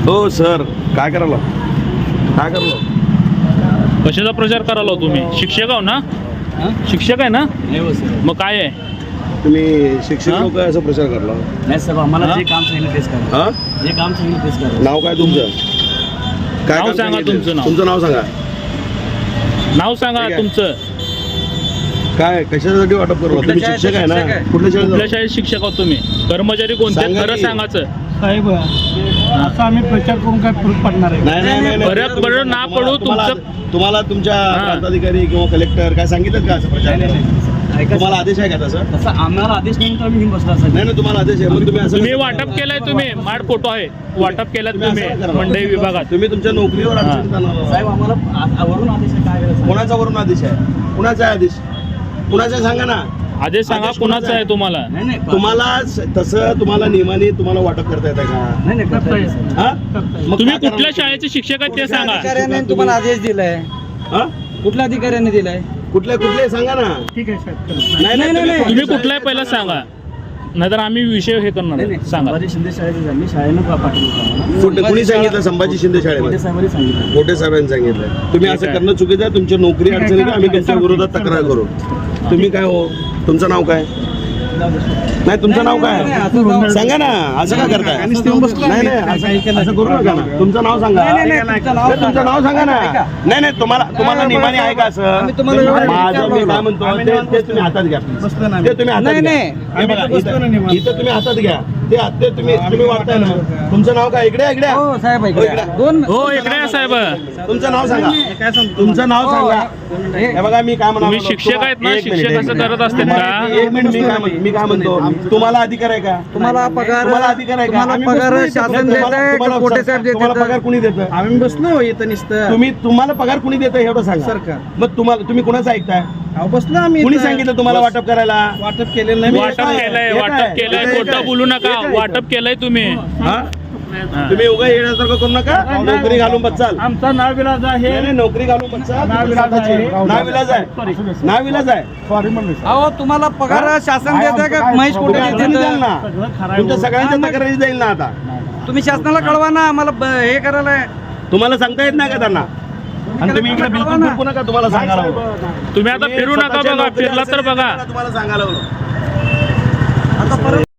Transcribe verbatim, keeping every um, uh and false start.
हो सर, काय करायला काय करायला कशाचा प्रचार करायला तुम्ही? शिक्षक आहो ना? शिक्षक आहे ना? मग काय आहे तुम्ही शिक्षक लोक असं प्रचार करला? नाही साहेब, आम्हाला जे काम सांगितलं तेच करा. हा जे काम सांगितलं तेच करा. नाव काय तुमचं? काय नाव काम सांगा सांगितलं? तुमचं नाव. तुमचं नाव सांगा. नाव सांगा ठीक आहे. तुमचं. काय कशासाठी वाटप करू? तुम्ही शाळेत शिक्षक आहे ना? शिक्षक आहे. कुठल्या शाळेत कुठल्या जाऊ? शाळेत शिक्षक आहोत तुम्ही? कर्मचारी कोणते सांगा खरं की. सांगायचं. साहेब असं आम्ही प्रचार करून काय फरक पडणार आहे? नाही नाही नाही, नाही. फरक तुम्ही- पडो ना तुम्हाला- पडो, तुम्हाला तुमचं- तुम्हाला तुमच्या हा. प्रांताधिकारी किंवा कलेक्टर काय सांगितलं का असं प्रचार नाही, नाही, करायला? नाही. ऐका तुम्हाला साहेब, आदेश आहे का तसं? तसं आम्हाला आदेश नाही तर आम्ही घेऊन बसला साहेब. नाही नाही, तुम्हाला आदेश आहे मग तुम्ही असं तुम्ही कसं वाटप करणार? केलंय तुम्ही माड फोटो आहे वाटप केलं तुम्ही तुम्ही असं करणार? मंडई विभागात. तुम्ही तुमच्या नोकरीवर हा. अडचणीत आणणार आहात. साहेब आम्हाला आ- वरून आदेश आहे, काय करायचं? कोणाचा वरून आदेश आहे? कुणाचा आहे आदेश? कुणाचा आहे सांगा ना. आदेश सांगा आदेश कुणाचा कोणाचा आहे आहे? तुम्हाला? नाही नाही तुम्हाला स- तसं तुम्हाला नियमाने तुम्हाला वाटप करता येतं का? नाही नाही करता येईल साहेब. हा? मग तुम्ही काय करणार? कुठल्या शाळेचे शिक्षक आहेत ते सांगा. अधिकाऱ्याने तुम्हाला आदेश दिलाय. हा? कुठल्या अधिकाऱ्याने दिलाय? कुठले कुठले सांगा ना. ठीक आहे साहेब. नाही नाही नाही, नाही. तुम्ही कुठलाही पहिला सांगा, नाहीतर आम्ही विषय हे करणार नाही आहे. नाही, सांगा. संभाजी शिंदे शाळेत आम्ही शाळेनं पा- पाठवलं होतं आम्हाला. कुठे कुणी सांगितलं? संभाजी शिंदे मोठे शाळेमध्ये साहेबांनी सांगितलं. मोठे साहेबांनी सांगितलं. तुम्ही ठीक असं आहे. करणं चुकीचं आहे. तुमच्या नोकरी अडचणी का आम्ही त्यांच्या विरोधात तक्रार करू. तुम्ही काय हो? तुमचं नाव काय? नाही तुमचं नाव काय? नाही, नाही, असं जाऊ- सांगा ना. असं का करताय? आणि स्टेम बसला नाही नाही, आहे. असं असं करू नका ना. तुमचं नाव सांगा. नाही, नाही, नाही, तुमचं नाव नाही, तुमचं नाव सांगा ना. ऐका. नाही नाही, तुम्हाला तुम्हाला नियमाने आहे का असं? आम्ही तुम्हाला एवढं माझं मी विचारलं. काय म्हणतो आम्ही ते निवांत ते तुम्ही हातात घ्या please. बसलो ना ते तुम्ही हातात नाही, घ्या. नाही. हे बघा, आम्ही तर बसलो ना इथं निवांत. इथं तुम्ही हातात घ्या. ते ते तुम्ही तुम्ही वाटताय ना. तुमचं नाव काय? इकडे इकडे हो साहेब ऐका. हो, इकडे. दोन हो इकडे या साहेब. तुमचं नाव सांगा. काय सांगतो? तुमचं नाव हो, सांगा. हे- हे बघा मी काय म्हणतो. तुम्ही शिक्षक आहेत ना? एक मिनिट, शिक्षक एक असं मिनिट. करत असतील का? एक मिनिट मी काय म्हणतो मी काय म्हणतो तुम्हाला अधिकार आहे का? तुम्हाला पगार तुम्हाला अधिकार आहे का? तुम्हाला आम्ही पगार बसलो इथं. शासन तुम्हाला- देत आहे तुम्हाला- का कोटे साहेब तुम्हाला पगार देत कुणी देतं? आम्ही बसलो इथं नुसतं. तुम्ही तुम्हाला पगार कुणी देतं एवढं सांगा. सरकार. मग तुम्हाला तुम्ही कुणाचं ऐकताय? अहो, बसलो आम्ही कुणी इथं. सांगितलं तुम्हाला वाटप करायला? वाटप केलेलं नाही. वाटप काय? केलंय हे वाटप काय? केलंय हे खोटं काय? बोलू नका. हे काय? वाटप केलंय तुम्ही. हा? हा. तुम्ही उगा येण्यासारखं करू नका. नोकरी घालून बचाल. आमचा नाव विलाज आहे. नाही, नाही, नोकरी घालून बचाल. नाविलाज आहे. नाविलाज आहे. नाविलाज आहे. सॉरी म्हणलं अहो तुम्हाला पगार शासन देत आहे का महेश कोटे तुम्ही अडचणीत देत जाल ना. सगळं खरं तुमच्या आहे. सगळ्यांच्या तक्रारी जाईल ना आता. तुम्ही शासनाला कळवा ना आम्हाला ब- हे करायला. तुम्हाला सांगता येत नाही का त्यांना? आणि तुम्ही इकडे बिलकुल फिरकू नका. तुम्हाला सांगायला हवं. तुम्ही आता फिरू नका स्वतःच्या बघा. नोकरी फिरला तर असेल बघा. तुम्हाला सांगायला हवं. आता परत